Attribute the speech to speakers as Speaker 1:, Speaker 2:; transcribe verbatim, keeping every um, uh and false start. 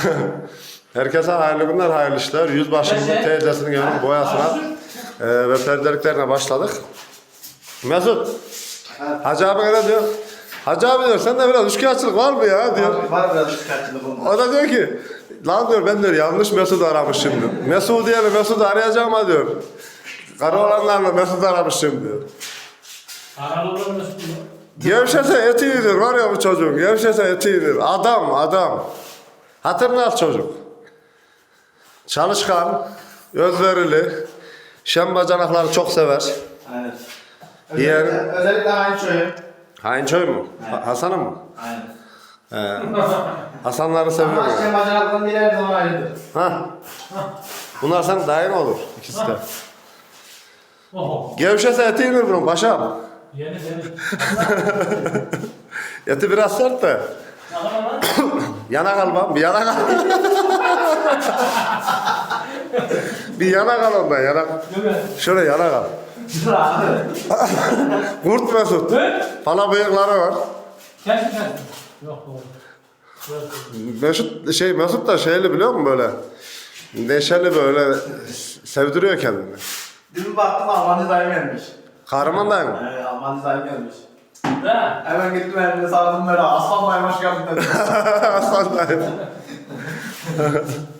Speaker 1: Herkese hayırlı günler, hayırlı işler. Yüzbaşımızın teyzesinin evinin boyasına e, ve perdeliklerine başladık. Mesut, Hacı abi ne diyor? Hacı abi diyor, sen de biraz üçkağıtçılık var mı ya diyor.
Speaker 2: Var, var biraz üçkağıtçılık olmuş.
Speaker 1: O da diyor ki, lan diyor ben diyor yanlış Mesut aramışım diyor. Mesut diye Mesut'u arayacağım ha diyor. Karı olanlarla Mesut aramışım diyor.
Speaker 3: Aralı olan Mesut mu?
Speaker 1: Gevşese eti iyidir var ya bu çocuğun. Gevşese eti iyidir. Adam adam. Hatırını al çocuk. Çalışkan, özverili, şem bacanakları çok sever.
Speaker 2: Aynen.
Speaker 1: Diğer-
Speaker 2: Özellikle, özellikle aynı şöyle.
Speaker 1: Hainçöy mu?
Speaker 2: Evet.
Speaker 1: Ha- Hasan'ı mı?
Speaker 2: Aynen.
Speaker 1: He. Hasanları seviyorum.
Speaker 2: Ama işte bacanakların dili her zaman ayrıdır.
Speaker 1: Ha. Bunlar senin dayın olur ikisi de.
Speaker 3: Oho.
Speaker 1: Gevşese eti yenir bunun paşam.
Speaker 3: Yeni yeni.
Speaker 1: Eti biraz sert de.
Speaker 3: Bakalım lan.
Speaker 1: Yana kal bak, bir yana kal. Bir yana kal ondan, yana kal.
Speaker 3: Değil mi?
Speaker 1: Şöyle yana kal.
Speaker 2: Dur abi.
Speaker 1: Kurt Mesut.
Speaker 3: Hı?
Speaker 1: Pala bıyıkları var.
Speaker 3: Gel gel. Yok oğlum.
Speaker 1: Mesut, şey, Mesut da şeyli biliyor musun böyle? Neşeli böyle sevdiriyor kendini.
Speaker 2: Dün baktım Alman dizayn gelmiş.
Speaker 1: Kahraman dayı mı?
Speaker 2: Evet Alman dizayn gelmiş.
Speaker 3: Ha?
Speaker 2: Hemen gittim elimde sardım böyle aslan baymaş geldi dedim.
Speaker 1: Aslan dayı.